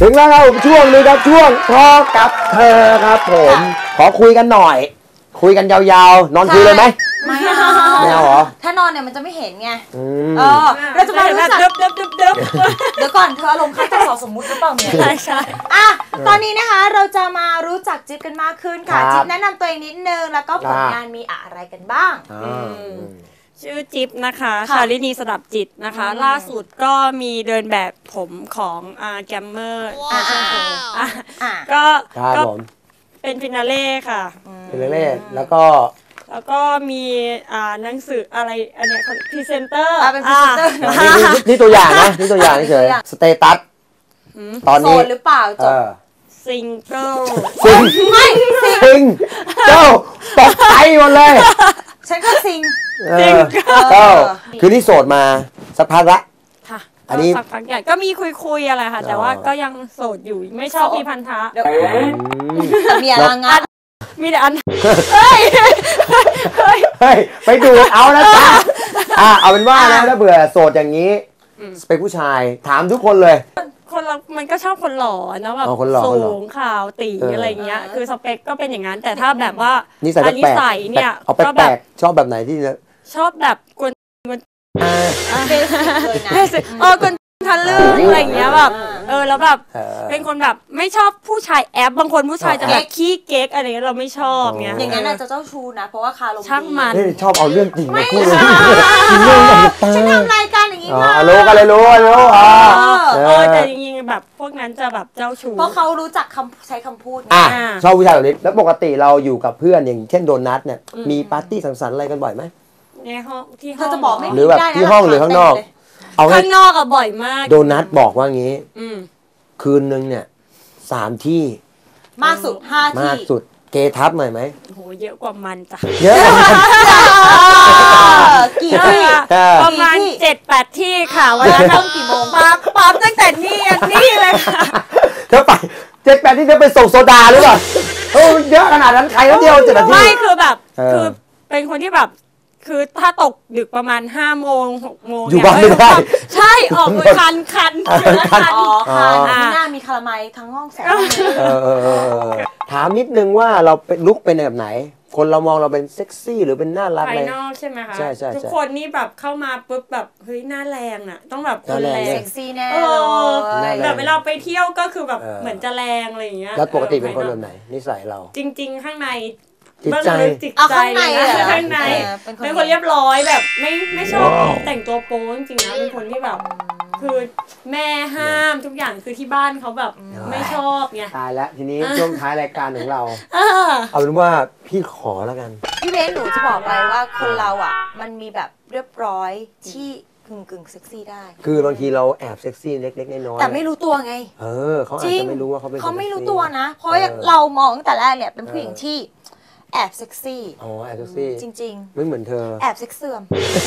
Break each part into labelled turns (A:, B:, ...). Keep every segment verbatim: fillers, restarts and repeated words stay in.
A: ถึงแล้วครับช่วงนี้ครับช่วงทอกับเธอครับผมขอคุยกันหน่อยคุยกันยาวๆนอนคุยเลยไหม
B: ไม่เอา
A: ไม่เอาเหรอ
B: ถ้านอนเนี่ยมันจะไม่เห็นไง
A: เอ
B: อเราจะมารู้จัก
C: เดิบเดิบเดิบเดิบ
B: เดี๋ยวก่อนเธออารมณ์ค้างจะสอสมมุติหรือเปล่าเนี่ย
C: ใช่ใช่
B: อ่ะตอนนี้นะคะเราจะมารู้จักจิ๊บกันมากขึ้นค่ะจิ๊บแนะนำตัวเองนิดนึงแล้วก็ผลงานมีอะไรกันบ้าง
C: ชื่อจิ๊บนะคะชาลินีสดับจิตนะคะล่าสุดก็มีเดินแบบผมของอาแกมเมอร์อาช่างผมก็ก็เป็นฟินาเล่ค่ะ
A: ฟินาเล่แล้วก็
C: แล้วก็มีอ่าหนังสืออะไรอันเนี้ยพรีเซนเตอร์
B: เป็นพรีเซนเตอร์
A: นี่ตัวอย่างนะนี่ตัวอย่างเฉยสเตตัสตอนนี้
B: โสดหรือเปล่าจบ
C: ซิงเกิล
A: ซิง
B: ไม่
A: ซิงเจ้าตกใจหมดเลย
B: ฉันก็ซิง
C: ซิง
A: เจ้าคือนี่โสดมาสักพักละ
C: ค่ะอันนี้สักพักใหญ่ก็มีคุยคุยอะไรค่ะแต่ว่าก็ยังโสดอยู่ไม่ชอบมีพันธะ
B: มีอะไรงัด
C: มีแต่อัน
A: เฮ้ยเฮ้ยไปดูเอาแล้วจ้าอ่ะเอาเป็นว่านะถ้าเบื่อโสดอย่างนี้สเปคผู้ชายถามทุกคนเลย
C: คนเรามันก็ชอบคนหล่อนะแบบสูงขาวตีอะไรเงี้ยคือสเปคก็เป็นอย่างนั้นแต่ถ้าแบบว่า
A: นิสัย
C: นิสัยเนี่ย
A: เอาแปลกๆชอบแบบไหนที่
C: ชอบแบบกวนกวนเบสิกเลยนะเออกวนทะลึ่งอะไรเงี้ยแบบเออแล้วแบบเป็นคนแบบไม่ชอบผู้ชายแอปบางคนผู้ชายจะแบบขี้เก๊กอะไรเงี้ยเราไม่ชอบเงี้ย
B: อย่างนั้นอาจจะเจ้าชู้นะเพราะว่าคาลม
C: ช่างมัน
A: ชอบเอาเรื่องจริงมาพูด
B: เลยฉันทำรายการอย่างนี้มา
A: รู้กันเลยรู้รู้
C: อ๋อเออแต่จริงๆแบบพวกนั้นจะแบบเจ้าชู้
B: เพราะเขารู้จักคำใช้คำพูด
A: อ่ะชอบผู้ชายแบบนี้แล้วปกติเราอยู่กับเพื่อนอย่างเช่นโดนัทเนี่ยมีปาร์ตี้สังสรรค์อะไรกันบ่อยไหม
C: ในห้องที่ห้
B: องเธอจะบอกไม่
A: หรือแบบที่ห้องหรือข้างนอก
C: เอาข้างนอกอะบ่อยมาก
A: โดนัทบอกว่างี้คืนนึงเนี่ยสามที่
B: มากสุดห้าที่
A: มากสุดเกทับหน่อยไหม
C: โหเยอะกว่ามันจ้ะ
A: เยอะ
B: กี่ที่
C: ประมาณเจ็ดแปดที่ค่ะวันละต้องกี่โมงปั๊บปั๊บตั้งแต่นี่นี่เลยค่ะ
A: เธอไปเจ็ดแปดที่เธอไปส่งโซดาหรือเปล่าโอ้เยอะขนาดนั้นใครแล้วเดียวเจ็ดนาที
C: ไม่คือแบบคือเป็นคนที่แบบคือถ้าตกดึกประมาณห้าโมงหกโมง
A: อยู่บ้านไม่ได้
C: ใช่ออกมือคันคัน
B: คันอ๋อคันที่หน้ามีคาราไมทั้งห้องสอง
A: ถามนิดนึงว่าเราเป็นลุกเป็นแบบไหนคนเรามองเราเป็นเซ็กซี่หรือเป็นน่ารัก
C: ภายนอกใช่ไหมคะ
A: ใช่ใช่
C: ทุกคนนี่แบบเข้ามาปุ๊บแบบเฮ้ยหน้าแรงอ่ะต้องแบบคนแรง
B: เซ็กซี่แน่เลย
C: แบบเวลาไปเที่ยวก็คือแบบเหมือนจะแรงอะไรอย่างเงี้ย
A: แล้วปกติเป็นคนแบบไหนนิสัยเรา
C: จริงๆข้างใน
A: จิตใจ
C: เอาข้างในข้างในเป็นคนเรียบร้อยแบบไม่ไม่ชอบแต่งตัวโป๊จริงๆนะเป็นคนที่แบบคือแม่ห้ามทุกอย่างคือที่บ้านเขาแบบไม่ชอบไง
A: ตายแล้วทีนี้ช่วงท้ายรายการของเราเอาเป็นว่าพี่ขอแล้วกัน
B: พี่เบนหนูจะบอกไปว่าคนเราอ่ะมันมีแบบเรียบร้อยที่กึ่งกึ่งเซ็กซี่ได้
A: คือบางทีเราแอบเซ็กซี่เล็กๆน้อยๆ
B: แต่ไม่รู้ตัวไง
A: เออเขาอาจจะไม่รู้ว่าเขาเป็น
B: เขาไม่รู้ตัวนะเพราะเรามองตั้งแต่แรกเนี่ยเป็นผู้หญิงที่แอบเซ็กซี่
A: อ๋อแอบเซ็กซี่
B: จริง
A: ๆไม่เหมือนเธอ
B: แอบเซ็กเสื่อม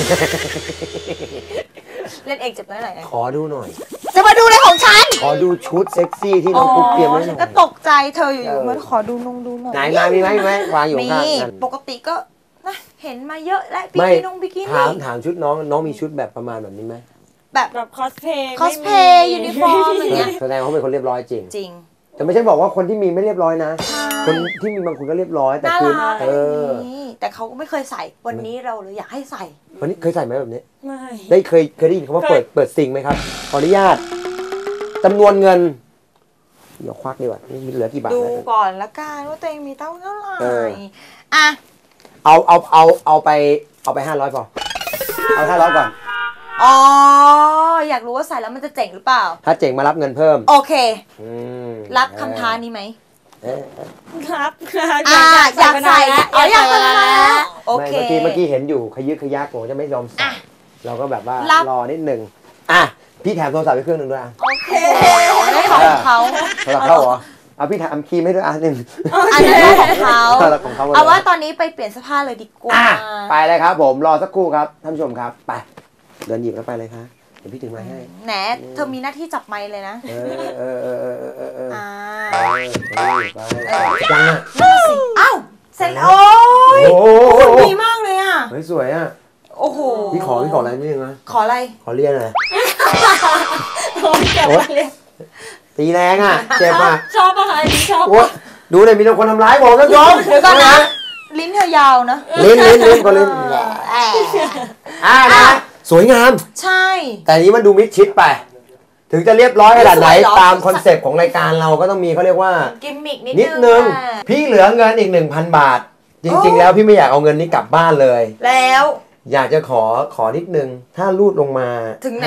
B: เล่นเองเจ็บน้อยหน่อย
A: ขอดูหน่อย
B: จะมาดูในของฉัน
A: ขอดูชุดเซ็กซี่ที่น้องปุ๊กเตรียมไว้หน่อย
B: ก็ตกใจเธออยู่ๆมาขอดูนงดูหน่อย
A: ไหนมามีไหมมีไหมวางอยู่ข้าง
B: กันปกติก็นะเห็นมาเยอะและบิกินงบิกินี่
A: ถามถามชุดน้องน้องมีชุดแบบประมาณแบบนี้ไหม
B: แบบ
C: แบบคอสเพย์
B: คอสเพย์ยูนิฟอร์มอย่างเงี้ย
A: แสดงว่าเขาเป็นคนเรียบร้อยจริง
B: จริง
A: แต่ไม่ใช่บอกว่าคนที่มีไม่เรียบร้อยนะคนที่มีบางคนก็เรียบร้อยแต่คือเออ
B: แต่เขาก็ไม่เคยใส่วันนี้เราเลยอยากให้ใส่
A: วันนี้เคยใส่ไหมแบบนี้
C: ไม่
A: ได้เคยเคยได้ยินคำว่าเปิดเปิดซิงไหมครับขออนุญาตจำนวนเงินเดี๋ยวควักดีกว่านี่เหลือกี่บาท
B: ดูก่อนละกันว่าตัวเองมีเท่าไหร่อ่ะ
A: เอาเอาเอาเอาไปเอาไปห้าร้อยพอเอาห้าร้อยก่อน
B: อ๋ออยากรู้ว่าใส่แล้วมันจะเจ๋งหรือเปล่า
A: ถ้าเจ๋งมารับเงินเพิ่ม
B: โอเครับคำท้านี้ไหม
C: ครับ
B: อยากอยากใส่อ๋ออยากใส่แล้วโอเค
A: เมื่อกี้เมื่อกี้เห็นอยู่ขยึกขยักผมจะไม่ยอมใส่เราก็แบบว่ารอนิดหนึ่งอ่ะพี่แถมโทรศัพท์ไปเครื่องหนึ่งด้วย
B: โอเคได้ของเขา
A: โทรศัพท์เข้าเหรอเอาพี่แถมคีย์ให้ด้วยอ่ะหนึ่ง
B: อันนั้นของเขาเอาว่าตอนนี้ไปเปลี่ยนเสื้อผ้าเลยดีกว่า
A: ไปเลยครับผมรอสักครู่ครับท่านผู้ชมครับไปเดินหยิบแล้วไปเลยครับเดี๋ยวพี่ถึงไม้ให้
B: แหนเธอมีหน้าที่จับไม้เลยนะ
A: เออเออเออเออเออเออเออ
B: ไป
A: ไปยังอ่ะ
B: อ้าวเสร็จแล้วโอ้ยดีมากเลยอ่ะ
A: เฮ้ยสวยอ่ะ
B: โอ้โห
A: พี่ขอพี่ขออะไรนิดนึงนะ
B: ขออะไร
A: ขอเรียนหน่อย
C: ขอแกะมาเรียน
A: ตีแรงอ่ะเจ็บอ่ะ
C: ชอบปะคะอันนี้ชอบ
A: โอ้ดูเลยมีแต่คนทำร้ายผมท่านผู้ชม
B: เดี๋ยวก่อนนะ ลิ้นเธอยาวนะ
A: ลิ้นลิ้นลิ้นก็ลิ้นอ่านะสวยงาม
B: ใช่
A: แต่นี้มันดูมิดชิดไป ถึงจะเรียบร้อยขนาดไหน
B: สวยเหรอ
A: ตามคอนเซปต์ของรายการเราก็ต้องมีเขาเรียกว่า
B: กิมมิกนิด
A: นิดนึง
B: อะ
A: พี่เหลือเงินอีก หนึ่งพัน บาท จริง ๆ แล้วพี่ไม่อยากเอาเงินนี้กลับบ้านเลย
B: แล้ว
A: อยากจะขอขอนิดนึง ถ้ารูดลงมา
B: ถึงไหน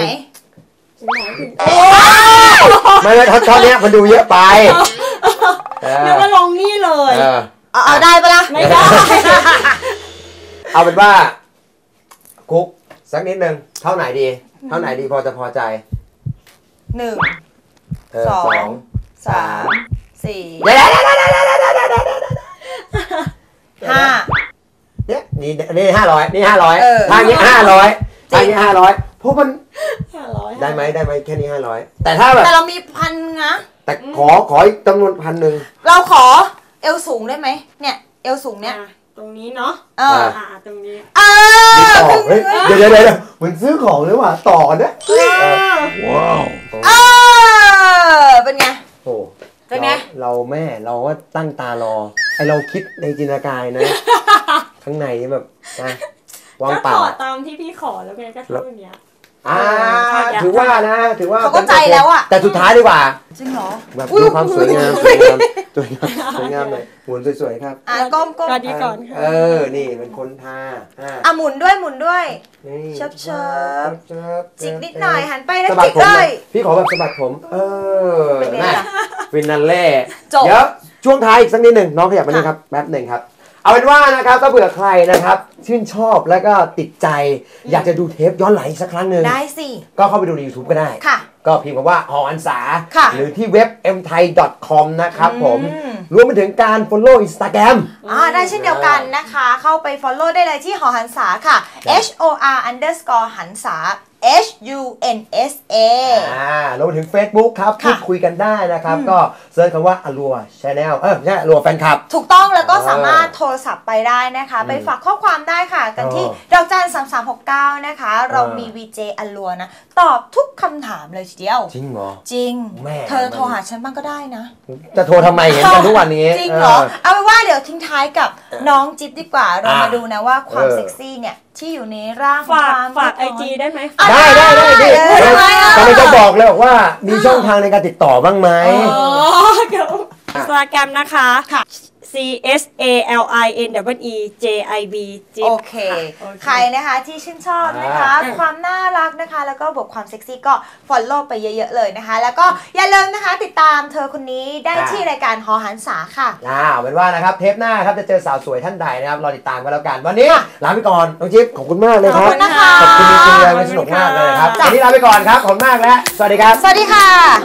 A: ไม่ไม่ท่อนนี้มันดูเยอะไปเออ
C: นึกว่าลงนี่เลย
A: เออ
B: เอาเอาได้ปะล่ะ
C: ไม่ได้
A: เอาเป็นว่ากุ๊กสักนิดนึงเท่าไหนดี เท่าไหนดีพอจะพอใจ
B: หนึ่ง
A: เออ
B: สอง
A: สอง
B: สามสี่
A: เดี๋ยวเดี๋ยวเดี๋ยวเดี๋ยวเดี๋ยวเดี๋ยวเดี๋ยวเดี๋ยว
B: ห้า
A: เนี่ยนี่นี่ห้าร้อยนี่ห้าร้อย
B: เออ
A: ทางนี้ห้าร้อย
B: จริง
A: ทางนี้ห้าร้อยเพราะมัน
C: ห้าร้อย
A: ได้ไหมได้ไหมแค่นี้ห้าร้อยแต่ถ้าแบบ
B: แต่เรามีพันนะ
A: แต่ขอขออีกจำนวนพันหนึ่ง
B: เราขอเอวสูงได้ไหมเนี่ยเอวสูงเนี่ย
C: อ่ะตรงนี้เนาะ
B: เออ
C: อ่าตรงนี้
B: เอ
A: มี
B: อ
A: ต่อเฮ้ยเดี๋ยวเดี๋ยวเดี๋ยวเหมือนซื้อของหรือว่าต่อนะเออว้าว
B: เออเป็นไง
A: โอ้
B: เป็นไง
A: เราเราแม่เราก็ตั้งตารอไอเราคิดในจินตนาการนะ ข้างในแบบนะวาง
C: ก็
A: เปล่า
C: ขอตามที่พี่ขอแล้วไงก็เท่านี้
A: อ่าถือว่านะถือว่า
B: เขาเข้าใจแล้วอะ
A: แต่สุดท้ายดีกว่า
B: จริงเหรอ
A: แบบดูความสวยงามสวยงามสวยงามสวยงามหน่อยหมุนสวยๆครับ
B: อ่ะก้มก้ม
C: สวัสดีก่อนค่ะ
A: เออนี่เป็นคนทาอ่า
B: อ่ะหมุนด้วยหมุนด้วย
A: นี่
B: เชิบเชิบ
A: เชิบ
B: จิกนิดหน่อยหันไปแล้ว
A: สะบัด
B: จิก
A: ผม
B: เล
A: หน่อย ยพี่ขอแบบสะบัดผม เออ
B: เป็นไง
A: นะ
B: ล่ะ
A: ฟินาเล่
B: จบ
A: เดี๋ยวช่วงท้ายอีกสักนิดหนึ่งน้องขยับมานี่ครับแป๊บหนึ่งครับ เอาเป็นว่านะครับถ้าเผื่อใครนะครับชื่นชอบแล้วก็ติดใจ อยากจะดูเทปย้อนหลังอีกสักครั้งหนึ่ง
B: ได้สิ
A: ก็เข้าไปดูใน YouTube ก็ได้
B: ค่ะ
A: ก็พิมพ์คำว่าหออันสา
B: ค่ะ
A: หรือที่เว็บ เอ็ม ไทย ดอท คอม นะครับผม
B: อืม
A: รวมไปถึงการ follow Instagram
B: อ่าได้เช่นเดียวกันนะคะ เข้าไป follow ได้เลยที่หอหันษาค่ะ H O R underscore หันษา H U N S A
A: อ่ารวมไปถึง Facebook ครับ
B: ค่ะ
A: พูดคุยกันได้นะครับ ก็เซิร์ชคำว่าอลัวชาแนลเออไม่ใช่อลัวแฟนคลับ
B: ถูกต้องแล้วก็
A: เออ
B: สามารถโทรศัพท์ไปได้นะคะ ไปฝากข้อความได้ค่ะ กันที่
A: เออ
B: ดอกจันสามสามหกเก้านะคะ เรา
A: เออ
B: มี วี เจ อัลลัวนะ ตอบทุกคำถามเลยทีเดียว
A: จริงเหรอ
B: จริง
A: แม่
B: เธอโทรหาฉันบ้างก็ได้นะ
A: จะโทรทำไมเห็นกันทุกวันนี้
B: จริงเหรอ เอาเป็นว่าเดี๋ยวทิ้งท้ายกับน้องจิ๊บดีกว่า เรา
A: อ่ะ
B: มาดูนะว่าความ
A: เออ
B: เซ็กซี่เนี่ย ที่อยู่ในร่างของ
C: ฝาก
B: ความ
C: ฝากไอ
B: เรียบร้ย
C: จีได้ไหม
B: อ่ะ
A: ได้ได้ได้ดิ
B: ได้ได้ได้
A: กำลังจะบอกเลยบอกว่ามีช่องทางในการติดต่อบ้างไหม
C: อ๋อเดี๋ยวอินสตาแกรมนะคะ
B: ค่ะ
C: C S A L I N W E J I B จิ๊บ
B: โอเค
C: โอเค
B: ใครนะคะที่ชื่นชอบนะคะ
A: อ่า
B: ความน่ารักนะคะ แล้วก็บวกความเซ็กซี่ก็ follow ไปเยอะๆเลยนะคะ แล้วก็อย่าลืมนะคะติดตามเธอคนนี้ได้ที่รายการหอหันษาค่ะ
A: อ่าเอาเป็นว่านะครับเทปหน้าครับจะเจอสาวสวยท่านใดนะครับรอติดตามกันแล้วกัน วันนี้ลาไปก่อนน้องจิ๊บขอบคุณมากเลยครับ
B: ขอบคุณนะคะ
A: ขอบคุณจริงๆเลยมันสนุกมากเลยครับ
B: จ้ะ
A: วันนี้ลาไปก่อนครับขอบคุณมากและสวัสดีครับ
B: สวัสดีค่ะ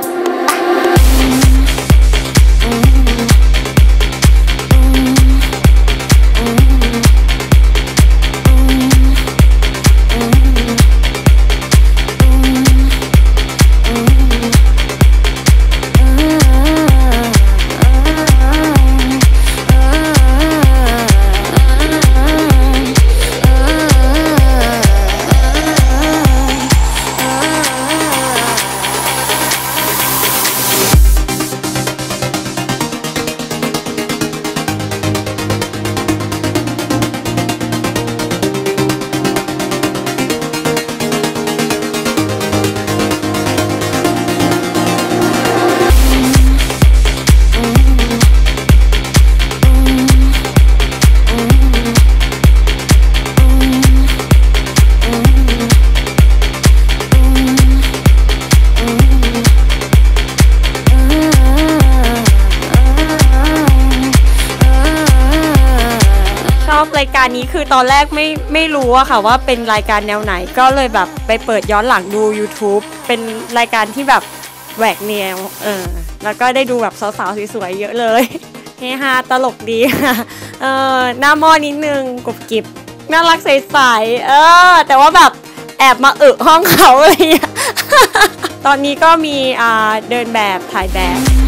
C: รายการนี้คือตอนแรกไม่ไม่รู้อะค่ะว่าเป็นรายการแนวไหนก็เลยแบบไปเปิดย้อนหลังดู YouTube เป็นรายการที่แบบแหวกแนวเออแล้วก็ได้ดูแบบสาวๆสวยๆเยอะเลยเฮฮาตลกดีค่ะเออหน้าหม้อนิดนึงกรุบกริบน่ารักใสๆเออแต่ว่าแบบแอบมาอึห้องเขาอะไรอย่างเงี้ย ตอนนี้ก็มีอ่าเดินแบบถ่ายแบบ